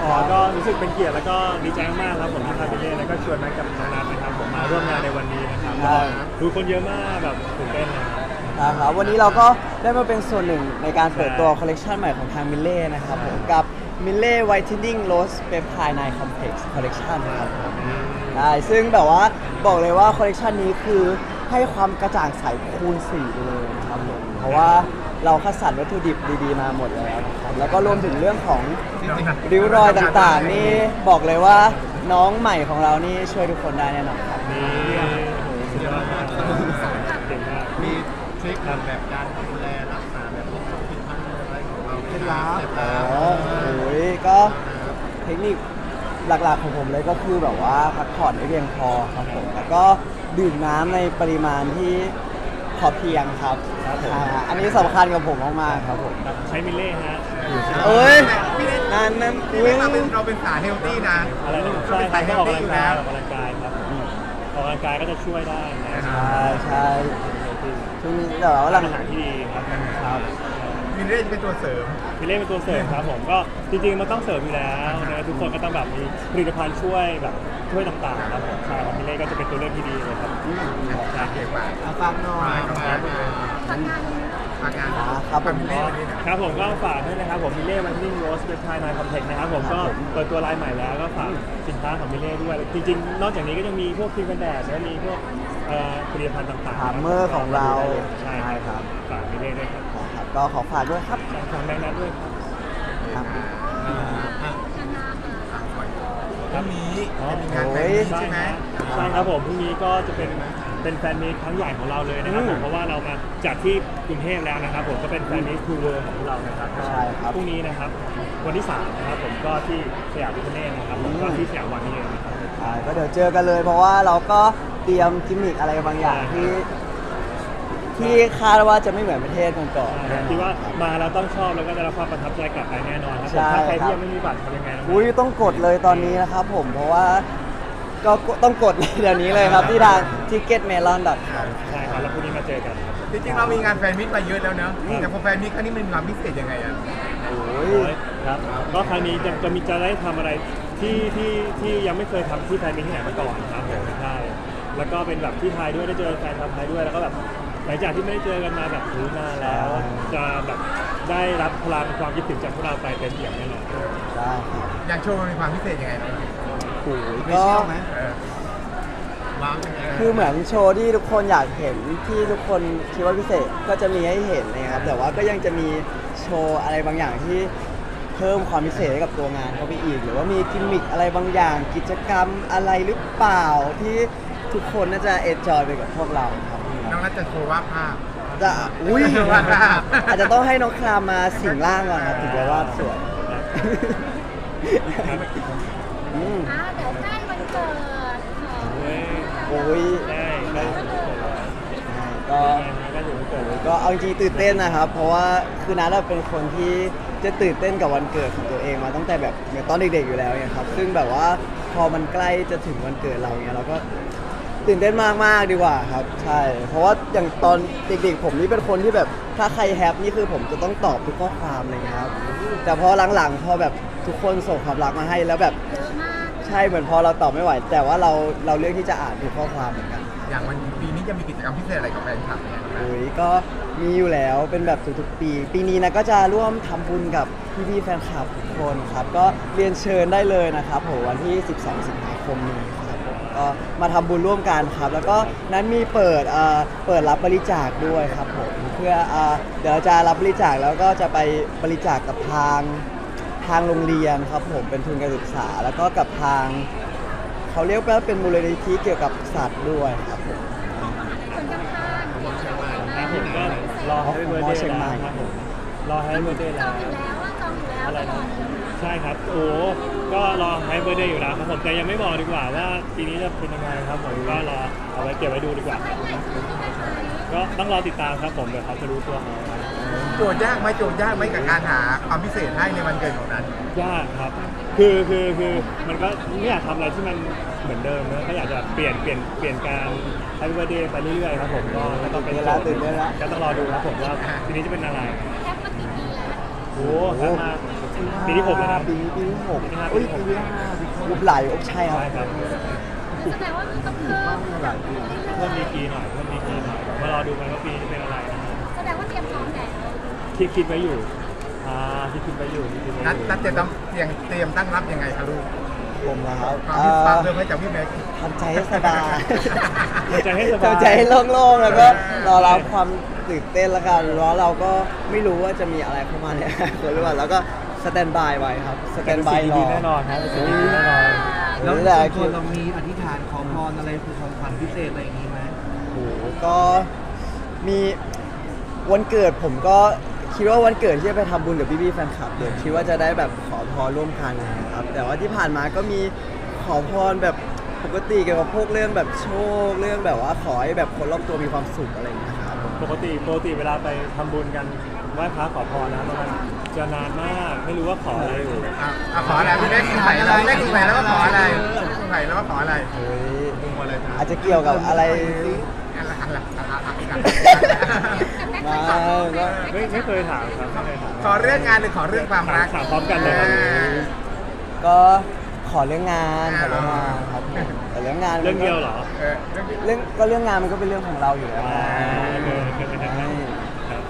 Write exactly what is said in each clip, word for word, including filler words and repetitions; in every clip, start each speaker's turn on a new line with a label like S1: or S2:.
S1: อ๋อก็รู้สึกเป็นเกียรติแล้วก็ดีใจมากๆครับผมที่ทางพี่เล่แล้วก็ชวนแม็กกับน้องนัทนะครับผมมาร่วมงานในวันนี้นะครับดูคนเยอะมากแบบตื่นเต้นนะครับ
S2: ครับวันนี้เราก็ได้มาเป็นส่วนหนึ่งในการเปิดตัวคอลเลกชันใหม่ของทางมิลเล่นะครับผมกับมิลเล่ Whitening Rose Peptide Night Complex Collection นะครับผมได้ซึ่งแบบว่าบอกเลยว่าคอลเลกชันนี้คือให้ความกระจ่างใสคูณสี่ไปเลยนะครับผมเพราะว่าเราคัดสรรวัตถุดิบดีๆมาหมดแล้วนะครับแล้วก็รวมถึงเรื่องของริ้วรอยต่างๆนี่บอกเลยว่าน้องใหม่ของเรานี่ช่วยทุกคนได้แน่นอนครับ
S1: นี่สุดยอดมากเก่งมาก
S3: มีทริคแบบการดูแลรักษาแบบพวกผิดพันธุ์อะไรของเราเคล็ดลับ
S2: อ๋อโอ้ยก็เทคนิคหลักๆของผมเลยก็คือแบบว่าพักผ่อนให้เพียงพอครับผมแล้วก็ดื่มน้ำในปริมาณที่พอเพียงครับอันนี้สำคัญกับผมมากๆครับผม
S1: ใช้มิลเล่ฮะ
S2: เอ้ยนั่นนั่น
S3: พี่เล่เราเป็นเราเป็นสายเฮลตี้นะ
S1: อะไรนะใช่ครับออกกำลังกายออกกำลังกายครับออกกำลังกายก็จะช่วยได้นะ
S2: ใช่ใช่ช่วงนี้แต่ว่าหลัง
S1: อาหารที่ดีครับ
S3: ครับมิลเล่จะเป็นตัวเสริม
S1: มิลเล่เป็นตัวเสริมครับผมก็จริงๆมันต้องเสริมอยู่แล้วนะทุกคนก็ต้องแบบมีผลิตภัณฑ์ช่วยแบบช่วยต่างๆครับผมใช่ครับมิลเล่ก็จะเป็นตัวเลือกที่ดีเลยครับ
S3: ใช่เก่งมาก
S2: ฝากหน่อย
S3: ฝากงานฝากงาน
S2: ครับผม
S1: ครับผมก็ฝากด้วยนะครับผมมิลเล่วันนิ่งโรสเปปไทด์ไนท์คอมเพล็กซ์นะครับผมก็เปิดตัวไลน์ใหม่แล้วก็ฝากสินค้าของมิลเล่ด้วยจริงๆนอกจากนี้ก็ยังมีพวกครีมกันแดดและมีพวกผลิตภัณฑ์ต่างๆ
S2: ฮาร์เมอร์ของเรา
S1: ใช่ครับฝากมิลเล่ด้วยครับ
S2: ก็ขอฝากด้วยครับ
S1: ฝากแบงค์นัทด้วย
S3: ครับพรุ่งนี้จะมีงานแฟนมีตใช่ไหม
S1: ใช่ครับผมพรุ่งนี้ก็จะเป็นเป็นแฟนมีตครั้งใหญ่ของเราเลยนะครับผมเพราะว่าเรามาจัดที่กรุงเทพแล้วนะครับผมก็เป็นแฟนมีตทูเวิร์ของเรานะครับ
S2: ใช่ครับ
S1: พรุ่งนี้นะครับวันที่สามนะครับผมก็ที่สยามพิคเนตนะครับผมก็ที่สยามวันนี้เองนะครับ
S2: ใช่ก็เดี๋ยวเจอกันเลยเพราะว่าเราก็เตรียมกิมมิคอะไรบางอย่างที่ที่คาดว่าจะไม่เหมือนประเทศก่อน
S1: ๆที่ว่ามาแล้วต้องชอบแล้วก็จะรับความประทับใจกลับไปแน่นอนครับถ้าใครที่ยังไม่มีบัตรทำยังไง
S2: อุ้ยต้องกดเลยตอนนี้นะครับผมเพราะว่าก็ต้องกดเดี๋ยวนี้เลยครับที่ทาง ทิกเก็ตเมลอน ดอท คอม
S1: ใช่ครับแล้วพรุ่งนี้มาเจอกัน
S3: จริงๆเรามีงานแฟนมิตมาเยอะแล้วเนอะแต่พอแฟนมิตครั้งนี้มันมีความพิเศษยังไงอ่ะ
S2: โอ้
S1: ยครับก็ครั้งนี้จะจะมีจะได้ทำอะไรที่ที่ที่ยังไม่เคยทำที่แฟนมิตที่ไหนมาก่อนครับผมใช่แล้วก็เป็นแบบที่ไทยด้วยได้เจอแฟนชาวไทยด้วยแล้วก็แบบหลังจากที่ไม่ได้เจอกันมาแบบรู้นานแล้วจะแบบได้รับพลังความคิดถึงจากพวกเราไปเต็มเปี่ยมแน่นอน
S2: ได้
S3: อย่างโชว์มันมีความพิเศษยังไง
S2: โอ้ยก็คือเหมือนโชว์ที่ทุกคนอยากเห็นที่ทุกคนคิดว่าพิเศษก็จะมีให้เห็นนะครับแต่ว่าก็ยังจะมีโชว์อะไรบางอย่างที่เพิ่มความพิเศษให้กับตัวงานเข้าไปอีกหรือว่ามีกิมมิคอะไรบางอย่างกิจกรรมอะไรหรือเปล่าที่ทุกคนน่าจะเอนจอยไปกับพวกเราครับ
S3: น้องนัทจะโชว์วาดภาพ
S2: จะอุ้ยวาดภาพอาจจะต้องให้น้องครามมาสิงร่างก่อนครับถึงจะวาดสวย
S4: อ่าเดี๋ยวใกล้วันเกิด
S2: โอ้ยก็ก็เอาจริงตื่นเต้นนะครับเพราะว่าคือนัทเป็นคนที่จะตื่นเต้นกับวันเกิดของตัวเองมาตั้งแต่แบบเหมือนตอนเด็กๆอยู่แล้วเนี่ยครับซึ่งแบบว่าพอมันใกล้จะถึงวันเกิดเราเนี่ยเราก็ตื่นเต้นมากๆดีกว่าครับใช่เพราะว่าอย่างตอนเด็กๆผมนี่เป็นคนที่แบบถ้าใครแฮปนี่คือผมจะต้องตอบทุกข้อความเลยครับแต่พอหลังๆพอแบบทุกคนส่งความรักมาให้แล้วแบบใช่เหมือนพอเราตอบไม่ไหวแต่ว่าเราเราเลือกที่จะอ่านทุกข้อความเหมือนกัน
S3: อย่างวันปีนี้จะมีกิจกรรมพิเศษอะไรกับแฟนคลับเนี่ย
S2: โอ้ยก็มีอยู่แล้วเป็นแบบทุกๆปีปีนี้นะก็จะร่วมทำบุญกับพี่ๆแฟนคลับทุกคนครับก็เรียนเชิญได้เลยนะครับผมวันที่สิบสองสิงหาคมนี้ครับผมก็มาทำบุญร่วมกันครับแล้วก็นั้นมีเปิดเอ่อเปิดรับบริจาคด้วยครับผมเพื่อเอ่อเดี๋ยวจะรับบริจาคแล้วก็จะไปบริจาคกับทางทางโรงเรียนครับผมเป็นทุนการศึกษาแล้วก็กับทางเขาเรียกว่าเป็นมูลนิธิเกี่ยวกับสัตว์ด้วยครับผม
S4: คนข้างๆ
S1: ผมก็รอให้เบอร์เดย์แล้วครับผมรอให้เบอร์เดย์แล้ว
S4: จองอยู่แล้วว่าจองอยู่แล้ว
S1: อะไรนะใช่ครับโอ้ก็รอให้เบอร์เดย์อยู่แล้วครับผมแต่ยังไม่บอกดีกว่าว่าปีนี้จะเป็นยังไงครับผมก็รอเอาไว้เก็บไว้ดูดีกว่าก็ต้องรอติดตามครับผมเดี๋ยวเขาจะรู้ตัวเขา
S3: โจทย์ยากไหมโจทย์ยากไหมกับการหาความพิเศษให้ในวันเกิดของนั้น
S1: ยากครับคือคือคือมันก็ไม่อยากทำอะไรที่มันเหมือนเดิมนะก็อยากจะเปลี่ยนเปลี่ยนเปลี่ยนการให้เบอร์เดย์ไปเรื่อยๆครับผมก็ต้องเป็น
S2: แล้วตื่นเต้นแล้ว
S1: ก็ต้องรอดูครับผมว่าทีนี้จะเป็นอะไร
S4: แคปมากี่ปีแล้ว
S1: โอ้แคปมาปีที่หกแล้วนะ
S2: ปีนี้ปีที่หก
S1: ปีที่ห้า
S2: เอ้ย
S1: ปี
S2: ปี
S1: ที่
S2: ที่
S1: หก
S2: ห้ารูปไหลโอ้ใช่ครับ
S1: ใช่ครับ
S4: แสดงว่ามันต้องเพิ่ม
S2: หลายปี
S1: เพิ่มดีกรีหน่อยเพิ่มดีกรีหน่อยมารอดูกันว่าปีนี้เป็นอะไรนะครับ
S4: แสดงว่าเตรียมพร้อมแล้ว
S1: คิดคิดไว้อยู่อ่าที่คิดไว้อยู่ที่คิดไว้
S3: นัด
S1: อยู่
S3: นัดจะต้องเตรียมเตรียมตั้งรับยังไงคะลูก
S2: ผมนะครับ
S3: ความ
S2: เอ่
S3: ที่ฟัง
S2: อ
S3: เริ่มให้จากพี่แม็ก
S2: ทำใจให้สบาย
S1: ทำใจให้สบาย
S2: ทำใจให้โล่งๆแล้วก็รอรับความตื่นเต้นแล้วกันเพราะเราก็ไม่รู้ว่าจะมีอะไรเข้ามาเนี่ยหรือเปล่าแล้วก็สแตนบายไว้ครับสแตนบายรอ
S1: ดีแน่นอนครับเป็นสิ่งดีแน่นอน
S2: แล้ว
S5: ส่
S2: แต่
S5: วน
S2: คื
S5: ตัว
S2: อ
S5: เรามีอธิษฐานขอพรอะไรคือของขวัญพิเศษอะไรอย่างนี้ไหม
S2: โอ้โหก็มีวันเกิดผมก็คิดว่าวันเกิดที่จะไปทำบุญกับพี่ๆแฟนคลับเดี๋ยวคิดว่าจะได้แบบขอพรร่วมกันนะครับแต่ว่าที่ผ่านมาก็มีขอพรแบบปกติเกี่ยวกับพวกเรื่องแบบโชคเรื่องแบบว่าขอให้แบบคนรอบตัวมีความสุขอะไรอย่างเงี้ยครับ
S1: ปกติปกติเวลาไปทำบุญกันไหว้พระขอพรนะมันจะนานมากไม่รู้ว่าขออะไรอยู่
S3: อ่ะอ่ะขออะไรพี่แม็กคุณไผ่แล้วพี่แม็กคุณไผ่แล้วก็ขออะไรคุณไผ่แล้วก็ขออะไร
S2: เฮ้ย
S3: ลงมาเลยนะ
S2: อาจจะเกี่ยวกับอะไร
S3: อะไรอะไรอะไร
S2: มาก็
S1: ไม่ไม่เคยถามครับไม่เคยถาม
S3: ขอเรื่องงานหรือขอเรื่องความรัก
S1: ถามพร้อมกันเลยครับ
S2: ก็ขอเรื่องงานขอเรื่องงานครับผมแต่เรื่องงานมันก็
S1: เรื่องเดียวเหรอ
S3: เออเรื่องนี้
S2: เรื่องก็เรื่องงานมันก็เป็นเรื่องของเราอยู่แล้ว
S1: อ่าเคยเคยไปทำงานครับ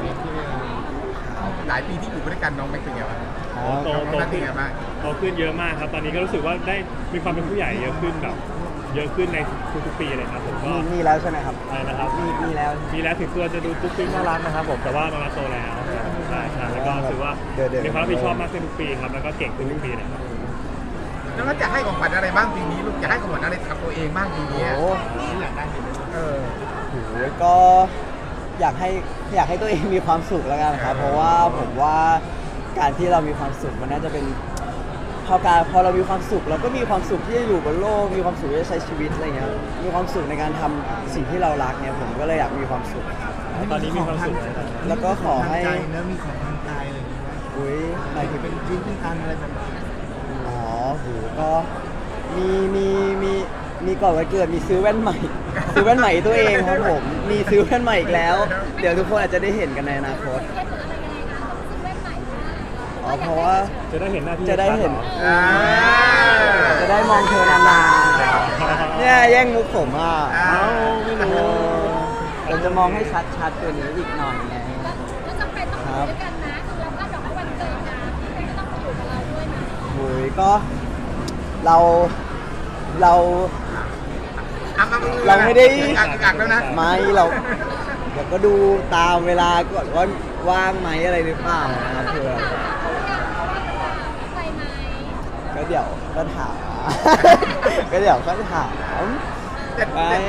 S3: หลายปีที่อยู่ด้วยกันน้องแม็กเป็นไงบ้าง
S2: ค
S1: โต
S2: รับ
S1: โต
S3: น้องแม็กเป็น
S1: ขึ้น
S3: ไงบ้าง
S1: โตขึ้นเยอะมากครับ ตอนนี้ก็รู้สึกว่าได้มีความเป็นผู้ใหญ่เยอะขึ้นแบบ เยอะขึ้นในทุกๆปีเลยครับผมก็
S2: มีมีแล้วใช่ไหมครับ
S1: อะไรนะครับ
S2: มีมีแล้ว
S1: มีแล้วถึงตัวจะดูปุ๊กปิ๊กน่ารักนะครับผมแต่ว่าน้องนัทโตแล้วใช่ใช่แล้วก็รู้สึกว่า
S2: เดี๋ยวเดี๋ยว
S1: มีความรับผิดชอบมากขึ้นทุกปีครับแล้วก็เก่งขึ้นทุกปีเลยครับ
S3: แล้วเราจะให้ของขวัญอะไรบ้างปีนี้ลูกจะให้ของขวัญอะไรกับตัวเองบ้างปีนี้
S2: โอ้
S3: อยากได้เออ
S2: โหก็อยากให้อยากให้ตัวเองมีความสุขแล้วกันครับ เพราะว่าผมว่าการที่เรามีความสุขมันน่าจะเป็นพอการพอเรามีความสุขเราก็มีความสุขที่จะอยู่บนโลกมีความสุขที่จะใช้ชีวิตอะไรเงี้ยมีความสุขในการทำสิ่งที่เรารักเนี่ยผมก็เลยอยากมีความสุข
S1: ตอนนี้มีความสุขเลยครับ
S2: แล้วก็ขอให้
S5: ทางใจเนื้อะมีของทางกายอะไรอย่างนี้ไหม
S2: อุ้ยหมายถึง
S5: เป็นชิ้นเป็นอันอะไรแบบนี้
S2: อ๋อโหก็มีมีมีมีก่อนวันเกิดมีซื้อแว่นใหม่ ซื้อแว่นใหม่ตัวเองครับผมมีซื้อแว่นใหม่อีกแล้ว เดี๋ยวทุกคนอาจจะได้เห็นกันในอนาคต
S4: เคสหรืออะไรยังไงนะต้องซื้อแว่นใหม่ได้
S2: อ๋อเพราะว่า
S1: จะได้เห็นหน้าที่
S2: จะได้เห็น
S1: ชัๆรอ
S3: อ่า
S2: จะได้มองเธอนานๆเนี่ยแย่งมุกผมอ่ะ
S1: เอ้าไม่
S2: เอ
S1: รู้
S2: อเราจะมองให้ชัดๆตัวนี้อีกหน่อยไง
S4: แล้วจำเป็นต้องอยู่ด้วยกันนะคือเราคาดหวังว่าวันเกิดนะพี่ก็ต้องมาอยู่กับเราด้วยนะ
S2: โอ้ยก็เราเรา
S3: อ่ะอ่ะ
S2: เราไม่ได้
S3: อักอักแล้วนะ
S2: ไม่เราเดี๋ยวก็ดูตามเวลาก่อนว่าว่างไหมอะไรหรือเปล่านะครับเผื่อ
S4: ไปไหม
S2: ก็เดี๋ยวก็ถาม ก็เดี๋ยวก็ถาม
S3: แต่
S2: ไป
S3: แต่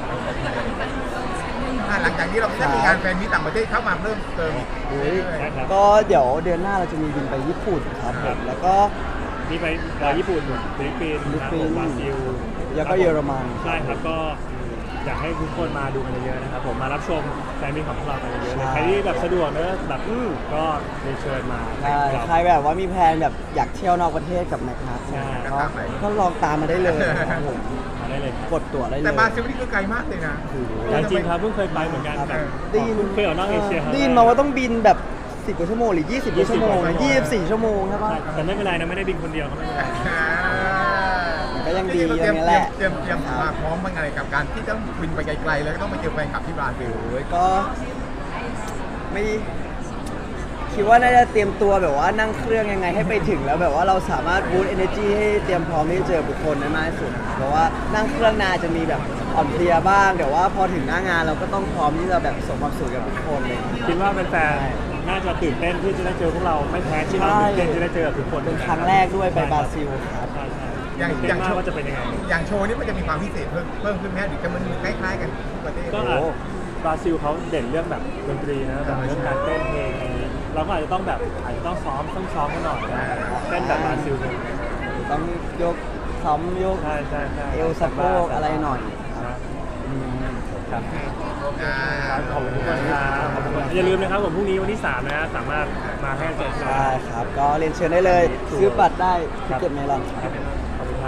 S3: อ่ะหลังจากนี้เราจะมีงานแฟนมีต่างประเทศเข้ามาเพิ่มเติมอีก
S2: อุ๊ย
S1: ใช่ครับ
S2: ก็เดี๋ยวเดือนหน้าเราจะมีบินไปญี่ปุ่นครับผมแล้วก็
S1: มีไปเอ่อญี่ปุ่นฟิลิปปินส์
S2: ฟิลิป
S1: นะ
S2: ปิ
S1: ผ
S2: นส์
S1: มบราซิล
S2: แล้วก็เยอรมัน
S1: ใช่ครับก็อยากให้ทุกคนมาดูกันเยอะๆนะครับผมมารับชมแฟนมิตของพวกเรากันเยอะๆเลยใครที่แบบสะดวกเนอะแบบก็เรียนเชิญมา
S2: ใช่
S1: ครับ
S2: ใครแบบว่ามีแพลนแบบอยากเที่ยวนอกประเทศกับแมคนัท
S1: ใช่
S2: ก็ก็ลองตามมาได้เลยครับผม
S1: มาได้เลยครับ
S2: กดตั๋วได้เลย
S3: แต่บราซิลนี่คือไกลมากเลยนะ
S2: โอ้โห
S1: แต่จริงๆครับเพิ่งเคยไปเหมือนกันแบบ
S2: ได้ยิน
S1: เพิ่งเคยออกนอกเอเชียครั้งแรก
S2: ได้ยินมาว่าต้องบินแบบสิบกว่าชั่วโมงหรือยี่สิบกว่าชั่วโมง
S1: ยี่
S2: ยี่
S1: สิ
S2: สิ
S1: บบ กว่า
S2: สี่ชั่วโมงใช่ปะ
S1: แต่ไม่เป็นไรนะไม่ได้บินคนเดียวครับไม่เป็นไร
S2: มันก็ยังดี
S3: เตรียม
S2: อย่างนี้แหละ
S3: เตรียมเตรียมมาพร้อมบ้างอะไรกับการที่ต้องบินไปไกลๆแล้วก็ต้องไปเจอแฟนคลับที่บราซิล
S2: โอ้ยก็ไม่คิดว่าน่าจะเตรียมตัวแบบว่านั่งเครื่องยังไงให้ไปถึงแล้วแบบว่าเราสามารถบูตเอเนอร์จีให้เตรียมพร้อมที่จะเจอบุคคลได้มากที่สุดเพราะว่านั่งเครื่องนานจะมีแบบอ่อนเพลียบ้างแต่ว่าพอถึงหน้างานเราก็ต้องพร้อมที่จะแบบส่งความสุขกับทุกคนเลย
S1: คิดว่าแฟนๆน่าจะตื่นเต้นที่จะได้เจอพวกเราไม่แพ้ที่เราตื่นเต้นที่ได้เจอกับทุกคน
S2: เป็นครั้งแรกด้วยไปบราซิลครับ
S1: ใช่ใช่
S3: อย่าง
S1: ตื่น
S3: อ
S1: เต้
S3: ย่าง
S1: น
S3: โช
S1: มาก
S3: ว์
S1: ว่าจะเป็นยังไง
S3: อย่างโชว์นี่มันจะมีความพิเศษเพิ่มเพิ่มขึ้นไหมหรือจะมันคล้ายๆกันทุกประเทศ
S1: ก็อาจบราซิลเขาเด่นเรื่องแบบดนตรีนะแบบเรื่องการเต้นเพลงอะไรอย่างนี้เราก็อาจจะต้องแบบอาจจะต้องซ้อมต้องซ้อมกันหน่อยนะเต้นแบบบราซิลเลย
S2: ต้องยกซ้อมยก
S1: ใช่ใช่ใช่
S2: เอวสะโพกอะไรหน่อยครับ อืม
S1: ครับ
S3: อ่า
S1: ครับขอบคุณทุกคนครับขอบคุณทุกคนอย่าลืมนะครับผมพรุ่งนี้วันที่สามนะฮะสามารถมาให้เจอกัน
S2: ได้ครับ ก็เรียนเชิญได้เลย ซื้อบัตรได้ที่เก็ตเมลอนครับ
S1: ขอบคุณ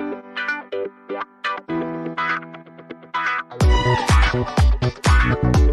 S1: ครับ
S6: Thank you.